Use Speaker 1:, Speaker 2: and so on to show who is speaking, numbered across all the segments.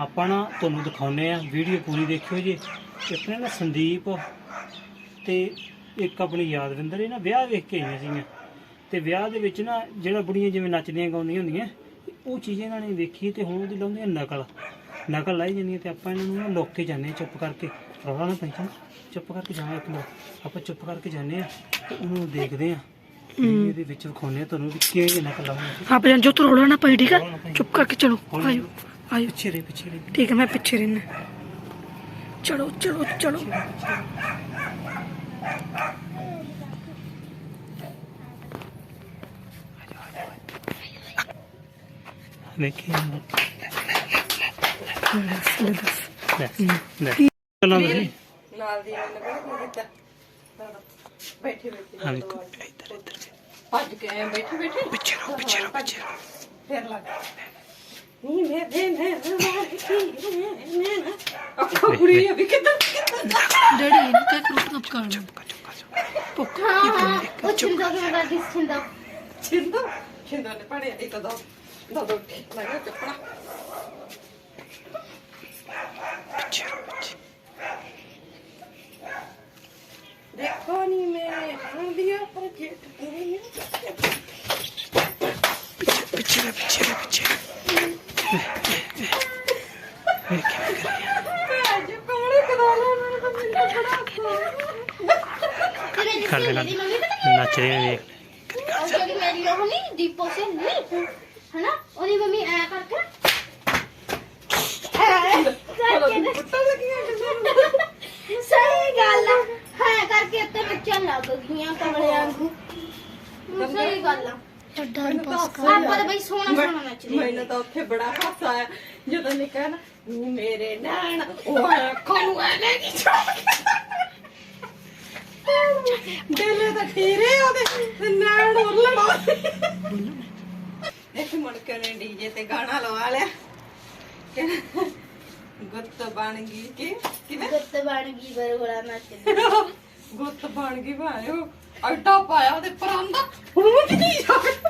Speaker 1: ਆਪਾਂ ना ਤੁਹਾਨੂੰ ਦਿਖਾਉਂਦੇ ਆ ਵੀਡੀਓ ਪੂਰੀ ਦੇਖਿਓ ਜੀ। ਆਪਣੇ ਨਾ ਸੰਦੀਪ ਤੇ ਇੱਕ ਆਪਣੀ ਯਾਦਵਿੰਦਰ ਇਹ ਨਾ ਵਿਆਹ ਵੇਖ ਕੇ ਆਈਆਂ ਸੀਗੀਆਂ ਤੇ ਵਿਆਹ ਦੇ ਵਿੱਚ ਨਾ ਜਿਹੜਾ ਬੁੜੀਆਂ ਜਿਵੇਂ ਨੱਚਦੀਆਂ ਗਾਉਂਦੀਆਂ ਹੁੰਦੀਆਂ ਉਹ ਚੀਜ਼ ਇਹਨਾਂ ਨੇ ਵੇਖੀ ਤੇ ਹੁਣ ਉਹਦੀ ਲਾਉਂਦੀਆਂ ਨਕਲ ਲਾਈ ਜਾਂਦੀਆਂ ਤੇ ਆਪਾਂ ਇਹਨਾਂ ਨੂੰ ਨਾ ਲੁੱਕ ਕੇ ਜਾਂਦੇ ਚੁੱਪ ਕਰਕੇ। ਰੌਲਾ ਨਾ ਪੈਂਦਾ, ਚੁੱਪ ਕਰਕੇ ਜਾਵਾਂ ਇੱਕ ਮਿੰਟ। ਆਪਾਂ ਚੁੱਪ ਕਰਕੇ ਜਾਂਦੇ ਆ ਤੇ ਉਹਨੂੰ ਦੇਖਦੇ ਆ ਇਹਦੇ ਵਿੱਚ ਵਿਖਾਉਂਦੇ ਆ ਤੁਹਾਨੂੰ ਵੀ ਕਿਹੜੀ ਨਕਲ ਲਾਉਂਦੇ।
Speaker 2: आप जो तो रोड़ा ना पाई, ठीक है? चुप करके चलो, आयो आयो।
Speaker 1: ਪਿੱਛੇ ਰੇ
Speaker 2: ठीक है, मैं पीछे रहना। चलो चलो चलो।
Speaker 1: देखिए
Speaker 3: ਨਾਲ ਦੀ ਨੇ ਬੜਾ ਕੀਤਾ ਬੈਠੇ ਭੱਜ ਕੇ ਆਏ ਬੈਠੇ
Speaker 1: ਪਿੱਛੇ ਰਹੋ
Speaker 3: ਫੇਰ ਲੱਗ ਨਹੀਂ ਮੈਂ ਅੱਖਾਂ ਪੂਰੀ ਅਭੀ ਕਿੱਦਾਂ
Speaker 2: डैडी क्या करो कब कर
Speaker 4: ਉਹ ਚਿੰਦਾ ਦਾ ਦਿਸਦਾ
Speaker 3: ਛਿੰਦਾ ਨੇ ਪੜਿਆ ਇਹ ਤਾਂ ਦੋ ਲੱਗਾ ਚੱਪੜਾ देखो नहीं मैं हाँ दिया पर जेठ
Speaker 1: पीछे नच रहे हैं
Speaker 4: ਜਿਹੜੀ ਮੇਰੀ ਉਹ ਨਹੀਂ ਦੀਪੋ ਸੇ ਨਹੀਂ ਹੈ ਨਾ ਉਹਦੀ ਮੰਮੀ ਐ ਕਰਕੇ ਸਹੀ ਗੱਲ ਹੈ ਕਰਕੇ ਤੇ ਨੱਚਣ ਲੱਗ ਗਈਆਂ ਕਮਲੇ ਵਾਂਗੂ ਸਹੀ ਗੱਲ ਆ ਆਪਾਂ ਤਾਂ ਬਈ ਸੋਹਣਾ ਨੱਚਦੇ
Speaker 3: ਮੈਨੂੰ ਤਾਂ ਉੱਥੇ ਬੜਾ ਹਾਸਾ ਆਇਆ ਜਦੋਂ ਨੇ ਕਹਿਣਾ ਮੇਰੇ ਨੈਣ ਉਹ ਅੱਖਾਂ ਨੂੰ ਐ ਨਹੀਂ ਦਿਲ ਤਾਂ ਠੀਰੇ ਉਹਦੇ ਨੈਣ ਉਰਲਣਾ ਇੱਕ ਮੁੜ ਕੇ ਨੇ ਡੀਜੇ ਤੇ ਗਾਣਾ ਲਵਾ ਲਿਆ ਗੁੱਤ ਬਣ ਗਈ ਕਿ ਕਿਵੇਂ
Speaker 4: ਗੁੱਤ ਬਣ ਗਈ ਬਰਗੋਲਾ ਨੱਚਦੀ
Speaker 3: ਗੁੱਤ ਬਣ ਗਈ ਭਾਇਓ ਅੱਡਾ ਪਾਇਆ ਉਹਦੇ ਪਰਾਂਦਾ ਹੁਣ ਨਹੀਂ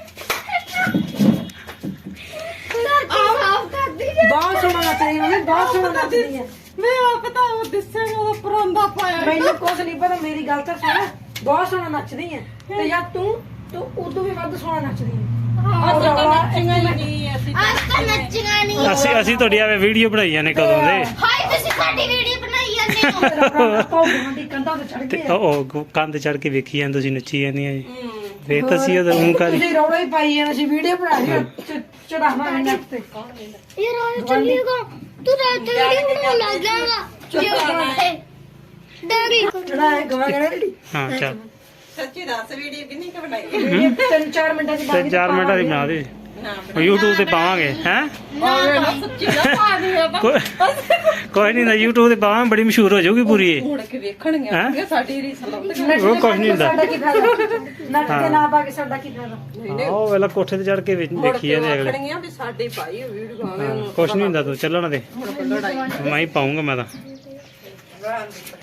Speaker 4: ਸਾਫ ਕਰਦੀ ਜੇ
Speaker 2: बहुत सोना नचनी मम्मी, बहुत सोना नचनी है।
Speaker 3: ਮੈਂ ਆਪ ਤਾਂ ਉਹ ਦਿਸੇ ਨੂੰ ਉਹਦਾ ਪਰਾਂਦਾ ਪਾਇਆ
Speaker 2: मैंने कुछ नहीं पता, मेरी गल तो सुन। बहुत सोना नचदी है ते यार तू उदू भी वध सोना नचदी है।
Speaker 3: ਅੱਜ ਤਾਂ ਨੱਚੀਆਂ ਹੀ ਨਹੀਂ ਅਸੀਂ
Speaker 4: ਅੱਜ ਤਾਂ ਨੱਚੀਆਂ ਨਹੀਂ
Speaker 1: ਅਸੀਂ ਤੁਹਾਡੀ ਆਵੇ ਵੀਡੀਓ ਬਣਾਈ ਜਾਂਦੇ ਕਦੋਂ ਦੇ
Speaker 4: ਹਾਏ ਤੁਸੀਂ ਸਾਡੀ ਵੀਡੀਓ ਬਣਾਈ ਜਾਂਦੇ ਹੋ
Speaker 2: पौड़ी कंधा ते चढ़
Speaker 1: ਤੇ
Speaker 2: गए
Speaker 1: ਉਹ ਕੰਧ ਚੜ ਕੇ ਵੇਖੀ ਜਾਂਦੇ ਤੁਸੀਂ ਨੱਚੀ ਜਾਂਦੀਆਂ ਜੀ ਵੇਖ ਤਾਂ ਸੀ ਉਹ ਊਂ ਕਰੀ
Speaker 2: ਤੁਸੀਂ ਰੌਲਾ ਹੀ ਪਾਈ ਜਾਣਾ ਸੀ, ਵੀਡੀਓ ਬਣਾ ਲਈ ਚੜਾਵਾਂ ਨੈਟ ਤੇ।
Speaker 4: ਇਹ ਰੋਣ ਚੱਲੀਗਾ ਤੂੰ ਰਾਤ ਦੀ ਵੀਡੀਓ ਬਣਾਉਣ ਲੱਗ ਜਾਏਗਾ ਡੈਡੀ
Speaker 2: ਚੜਾਏ ਗਵਾ ਗਏ
Speaker 1: ਹਾਂ ਚੱਲ
Speaker 3: ਸੱਚੀ ਦੱਸ ਵੀਡੀਓ ਕਿੰਨੀ ਕ ਬਣਾਈ
Speaker 2: ਵੀਡੀਓ 3-4 ਮਿੰਟਾਂ ਦੀ
Speaker 1: ਤੇ 4 ਮਿੰਟਾਂ ਦੀ ਬਣਾ ਦੇ
Speaker 3: ਨਾ
Speaker 1: YouTube ਤੇ ਪਾਵਾਂਗੇ ਹੈ
Speaker 3: ਸੱਚੀ ਨਾ ਪਾ ਦਿਆ
Speaker 1: ਕੋਈ ਨਹੀਂ ਨਾ YouTube ਤੇ ਪਾਵਾਂ ਬੜੀ ਮਸ਼ਹੂਰ ਹੋ ਜਾਊਗੀ ਪੂਰੀ ਇਹ
Speaker 3: ਹੁਣ ਕੇ ਵੇਖਣਗੇ ਕਿ ਸਾਡੀ ਰੀਸ ਲਾਉਂਦੇ
Speaker 1: ਉਹ ਕੁਝ ਨਹੀਂ ਹੁੰਦਾ
Speaker 2: ਸਾਡਾ ਕੀ ਫਾਇਦਾ ਨੱਟ ਤੇ ਨਾ ਪਾ ਕੇ ਸਾਡਾ ਕੀ ਫਾਇਦਾ।
Speaker 1: ਉਹ ਵੇਲਾ ਕੋਠੇ ਤੇ ਚੜ ਕੇ ਦੇਖੀ ਜਾਂਦੇ ਅਗਲੇ
Speaker 3: ਵੇਖਣਗੀਆਂ ਵੀ ਸਾਡੀ ਭਾਈ ਵੀਡੀਓ ਆਵੇ
Speaker 1: ਕੁਝ ਨਹੀਂ ਹੁੰਦਾ ਤੂੰ ਚੱਲਣ ਦੇ
Speaker 3: ਹੁਣ ਲੜਾਈ
Speaker 1: ਮੈਂ ਹੀ ਪਾਉਂਗਾ ਮੈਂ ਤਾਂ
Speaker 3: ਰਹਿਣ ਦੇ